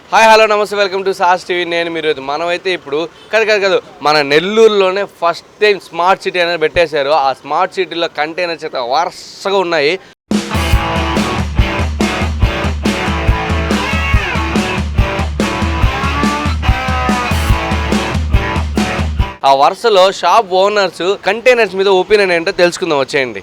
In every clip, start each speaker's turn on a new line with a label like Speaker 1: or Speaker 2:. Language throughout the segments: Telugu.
Speaker 1: Hi hello namaste welcome to సాస్ టీవీ. నేను మీరు మనమైతే ఇప్పుడు కాదు మన నెల్లూరులోనే ఫస్ట్ టైం స్మార్ట్ సిటీ అనేది పెట్టేశారు. ఆ స్మార్ట్ సిటీలో కంటైనర్స్ అయితే వరుసగా ఉన్నాయి. ఆ వరుసలో షాప్ ఓనర్స్ కంటైనర్స్ మీద ఒపీనియన్ ఏంటో తెలుసుకుందాం, వచ్చేయండి.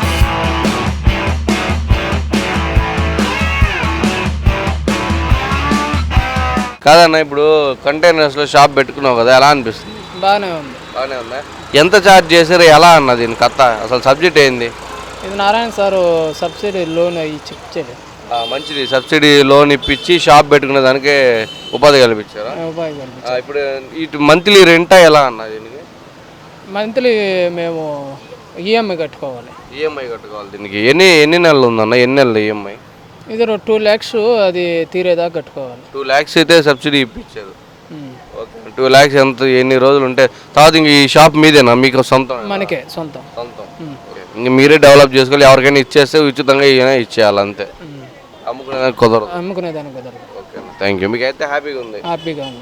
Speaker 1: కాదన్న, ఇప్పుడు కంటైనర్స్లో షాప్ పెట్టుకున్నావు కదా, ఎలా అనిపిస్తుంది?
Speaker 2: బాగానే ఉంది.
Speaker 1: బాగానే ఉందా? ఎంత ఛార్జ్ చేశారు, ఎలా అన్న దీని కథ, అసలు సబ్జెక్ట్ ఏంది?
Speaker 2: ఇది నారాయణ సారు సబ్సిడీ లోన్ ఇచ్చాడు.
Speaker 1: మంచిది, సబ్సిడీ లోన్ ఇప్పించి షాప్ పెట్టుకునే దానికి ఉపాధి కల్పించారా? ఇప్పుడు ఇటు మంత్లీ రెంటా ఎలా అన్న దీనికి?
Speaker 2: మంత్లీ మేము ఈఎంఐ కట్టుకోవాలి.
Speaker 1: ఈఎంఐ కట్టుకోవాలి దీనికి. ఎన్ని నెలలు ఉందన్న? ఎన్ని నెలలు ఈఎంఐ?
Speaker 2: ఇది 2 lakhs అది తీరేదాకా కట్టుకోవాలి.
Speaker 1: 2 lakhs అయితే సబ్సిడీ ఇప్పించారు. ఓకే, 2 lakhs ఎంత, ఎన్ని రోజులు ఉంటే తర్వాత ఇంక ఈ షాప్ మీదేనా, మీకు సొంతం?
Speaker 2: మనకే సొంతం.
Speaker 1: ఇంక మీరే డెవలప్ చేసుకోవాలి, ఎవరికైనా ఇచ్చేస్తే ఉచితంగా ఇచ్చేయాలి అంతే. అమ్ముకునేదానికి కుదరదు.
Speaker 2: అమ్ముకునేదానికి కుదరదు.
Speaker 1: Okay, thank you. మీకు అయితే హ్యాపీగా ఉంది?
Speaker 2: హ్యాపీగా ఉంది.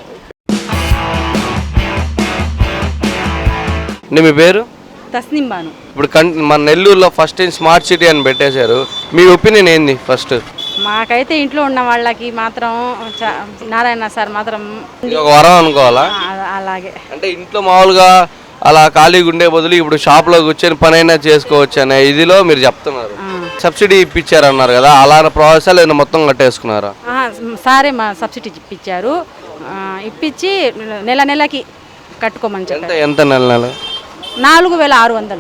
Speaker 1: మీ పేరు?
Speaker 3: తస్నిం బాను.
Speaker 1: ఇప్పుడు మన నెల్లూరులో ఫస్ట్ టైం స్మార్ట్ సిటీ అని పెట్టేశారు. మీ ఒపీనియన్ ఏంది ఫస్ట్?
Speaker 3: మాకైతే ఇంట్లో ఉన్న వాళ్ళకి మాత్రం నారాయణ సార్ మాత్రం
Speaker 1: ఒక వరం అనుకోవాలా?
Speaker 3: అలాగే
Speaker 1: అంటే ఇంట్లో మామూలుగా అలా ఖాళీగా ఉండే బదులు ఇప్పుడు షాప్లో కూర్చొని పని అయినా చేసుకోవచ్చు అనే ఇదిలో మీరు చెప్తున్నారు. సబ్సిడీ ఇప్పించారు అన్నారు కదా, అలా ప్రాసెస్ లేదా మొత్తం కట్టేసుకున్నారా?
Speaker 3: సారే మా సబ్సిడీ ఇప్పించారు. ఇప్పించి నెలకి కట్టుకోమని చెప్పారు.
Speaker 1: ఎంత నెల?
Speaker 3: 4600.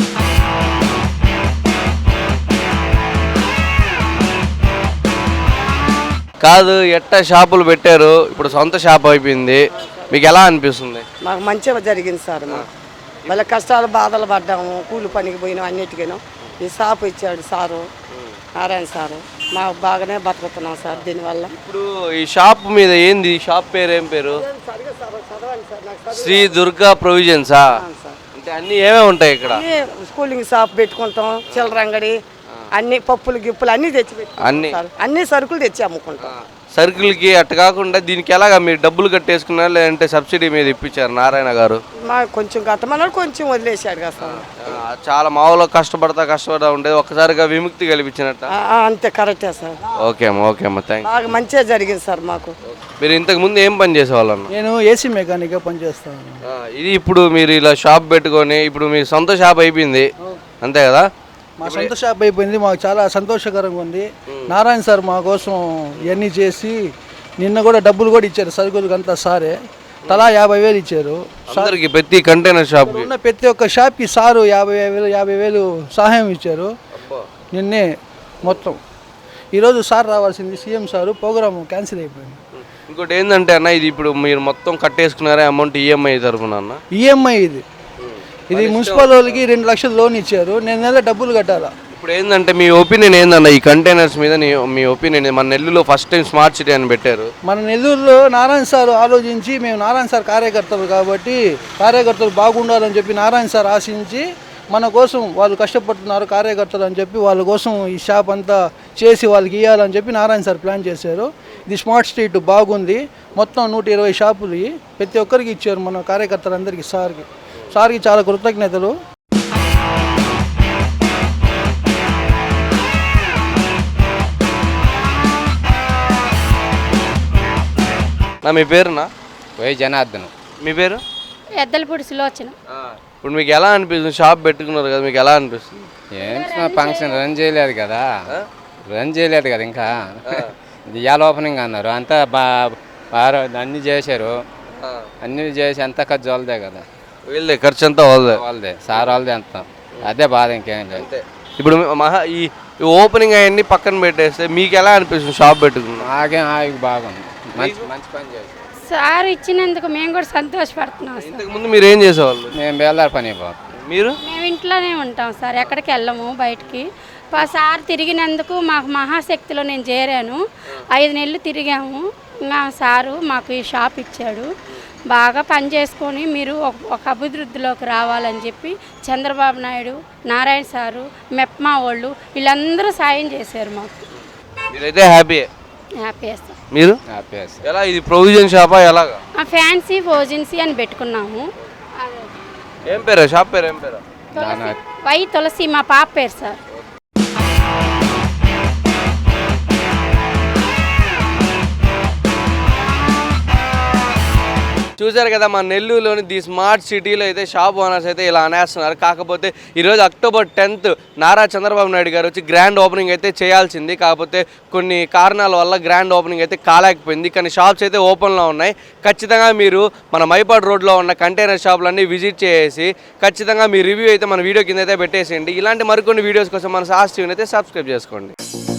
Speaker 1: కాదు, ఎట్టా షాపులు పెట్టారు, ఇప్పుడు సొంత షాప్ అయిపోయింది, మీకు ఎలా అనిపిస్తుంది?
Speaker 4: మాకు మంచిగా జరిగింది సార్. మళ్ళీ కష్టాలు బాధలు పడ్డాము, కూలి పనికి పోయినాం, అన్నిటికీను ఈ షాప్ ఇచ్చాడు సారు, నారాయణ సారు. మాకు బాగానే బతుకుతున్నాం సార్ దీనివల్ల.
Speaker 1: ఇప్పుడు ఈ షాప్ మీద ఏంది, షాప్ పేరు ఏం పేరు? శ్రీ దుర్గా ప్రొవిజన్సా? అంటే అన్ని ఏమేమి ఉంటాయి ఇక్కడ?
Speaker 4: స్కూలింగ్ షాప్ పెట్టుకుంటాం, చిల్లర అంగడి, అన్ని పప్పులు గిప్పులు అన్ని తెచ్చి పెట్టుకుంటాం, అన్ని సరుకులు తెచ్చి అమ్ముకుంటాం.
Speaker 1: సర్కిల్కి అట్ట కాకుండా దీనికి ఎలాగా మీరు డబ్బులు కట్టేసుకున్నారు, లేదంటే సబ్సిడీ మీద ఇప్పించారు నారాయణ గారు?
Speaker 4: మాకు కొంచెం కట్టమన్నాడు, కొంచెం వదిలేశాడు కదా సార్.
Speaker 1: చాలా మామూలుగా కష్టపడతా ఉండేది, ఒక్కసారిగా విముక్తి కల్పించినట్ట.
Speaker 4: అంతే, కరెక్టే సార్.
Speaker 1: ఓకే అమ్మా థ్యాంక్ యూ.
Speaker 4: బాగా మంచిగా జరిగింది సార్ మాకు.
Speaker 1: మీరు ఇంతకు ముందు ఏం పని చేసేవాళ్ళన్న?
Speaker 2: నేను ఏసీ మెకానిక్గా పనిచేస్తాను.
Speaker 1: ఇది ఇప్పుడు మీరు ఇలా షాప్ పెట్టుకొని ఇప్పుడు మీ సొంత షాప్ అయిపోయింది అంతే కదా?
Speaker 5: మా సొంత షాప్ అయిపోయింది, మాకు చాలా సంతోషకరంగా ఉంది. నారాయణ సార్ మా కోసం ఇవన్నీ చేసి నిన్న కూడా డబ్బులు కూడా ఇచ్చారు, సరుకులకు అంతా సారే తలా 50,000 ఇచ్చారు.
Speaker 1: అందరికి ప్రతి కంటైనర్ షాప్
Speaker 5: ఉన్న ప్రతి ఒక్క షాప్కి సారు 50,000 సహాయం ఇచ్చారు నిన్నే మొత్తం. ఈరోజు సార్ రావాల్సింది సీఎం సారు, ప్రోగ్రామ్ క్యాన్సిల్ అయిపోయింది.
Speaker 1: ఇంకోటి ఏంటంటే అన్న, ఇది ఇప్పుడు మీరు మొత్తం కట్టేసుకున్నారా అమౌంట్ ఈఎంఐ తరఫున? అన్న
Speaker 5: ఈఎంఐ ఇది మున్సిపల్ వాళ్ళకి 2 లక్షలు లోన్ ఇచ్చారు, నేను నెల డబ్బులు కట్టాలా.
Speaker 1: ఇప్పుడు ఏంటంటే మీ ఒపీనియన్ ఏందన్న ఈ కంటైనర్స్ మీద? మీ ఒపీనియన్, మన నెల్లూరులో ఫస్ట్ టైం స్మార్ట్ సిటీ అని పెట్టారు.
Speaker 5: మన నెల్లూరులో నారాయణ సార్ ఆలోచించి, మేము నారాయణ సార్ కార్యకర్తలు కాబట్టి కార్యకర్తలు బాగుండాలని చెప్పి నారాయణ సార్ ఆశించి మన కోసం, వాళ్ళు కష్టపడుతున్నారు కార్యకర్తలు అని చెప్పి వాళ్ళ కోసం ఈ షాప్ అంతా చేసి వాళ్ళకి ఇవ్వాలని చెప్పి నారాయణ సార్ ప్లాన్ చేశారు. ఇది స్మార్ట్ స్ట్రీట్ బాగుంది, మొత్తం 120 షాపులు ప్రతి ఒక్కరికి ఇచ్చారు మన కార్యకర్తలందరికీ. సార్కి చాలా కృతజ్ఞతలు.
Speaker 1: మీ పేరునా?
Speaker 6: వై జనార్దన్.
Speaker 1: మీ పేరు?
Speaker 3: ఎద్దలపూడి సులోచన.
Speaker 1: ఇప్పుడు మీకు ఎలా అనిపిస్తుంది, షాప్ పెట్టుకున్నారు కదా, మీకు ఎలా అనిపిస్తుంది?
Speaker 6: ఏం ఫంక్షన్ రన్ చేయలేదు కదా ఇంకా. ఇవాళ ఓపెనింగ్ అన్నారు, అంతా అన్నీ చేశారు, అన్నీ చేసి అంతా ఖర్చు వాళ్ళదే కదా.
Speaker 1: వీళ్ళదే ఖర్చు అంతా
Speaker 6: వాళ్ళదే, సార్ వాళ్ళదే అంతా. అదే బాధ, ఇంకేం లేదు.
Speaker 1: ఇప్పుడు ఈ ఓపెనింగ్ అవన్నీ పక్కన పెట్టేస్తే మీకు ఎలా అనిపిస్తుంది షాప్ పెట్టుకున్నా?
Speaker 6: నాకేం బాగుంది, మంచి పని చేశారు
Speaker 3: సార్ ఇచ్చినందుకు మేము కూడా సంతోషపడుతున్నాం.
Speaker 1: ఇంతకు ముందు మీరు ఏం చేసేవాళ్ళు?
Speaker 6: మేము బేల్దారి పని పోతాం.
Speaker 1: మీరు?
Speaker 3: మేము ఇంట్లోనే ఉంటాం సార్, ఎక్కడికి వెళ్ళము బయటికి. సార్ తిరిగినందుకు మాకు మహాశక్తిలో నేను చేరాను, 5 నెలలు తిరిగాము. ఇంకా సారు మాకు ఈ షాప్ ఇచ్చాడు. బాగా పని చేసుకొని మీరు ఒక అభివృద్ధిలోకి రావాలని చెప్పి చంద్రబాబు నాయుడు, నారాయణ సారు, మెప్మా వాళ్ళు వీళ్ళందరూ సాయం చేశారు మాకు.
Speaker 1: మీరైతే హ్యాపీ?
Speaker 3: Happy sir.
Speaker 1: మీరు
Speaker 6: ఆపేస్తారు.
Speaker 1: ఎలా ఇది ప్రొవిజన్ షాపా ఎలాగా?
Speaker 3: ఫ్యాన్సీ ఫోజెన్సీ అని పెట్టుకున్నాము.
Speaker 1: ఏం పేరు షాప్ పేరు ఏం పేరు?
Speaker 3: వై తులసి మా పాప పేరు సార్.
Speaker 1: చూశారు కదా మన నెల్లూరులోని ది స్మార్ట్ సిటీలో అయితే షాప్ ఓనర్స్ అయితే ఇలా అనేస్తున్నారు. కాకపోతే ఈరోజు అక్టోబర్ 10th నారా చంద్రబాబు నాయుడు గారు వచ్చి గ్రాండ్ ఓపెనింగ్ అయితే చేయాల్సింది. కాకపోతే కొన్ని కారణాల వల్ల గ్రాండ్ ఓపెనింగ్ అయితే కాలేకపోయింది. కానీ షాప్స్ అయితే ఓపెన్లో ఉన్నాయి. ఖచ్చితంగా మీరు మన మైపాడ్ రోడ్లో ఉన్న కంటైనర్ షాపులన్నీ విజిట్ చేసి ఖచ్చితంగా మీ రివ్యూ అయితే మన వీడియో కింద అయితే పెట్టేసేయండి. ఇలాంటి మరికొన్ని వీడియోస్ కోసం మన సాస్ టీవీని అయితే సబ్స్క్రైబ్ చేసుకోండి.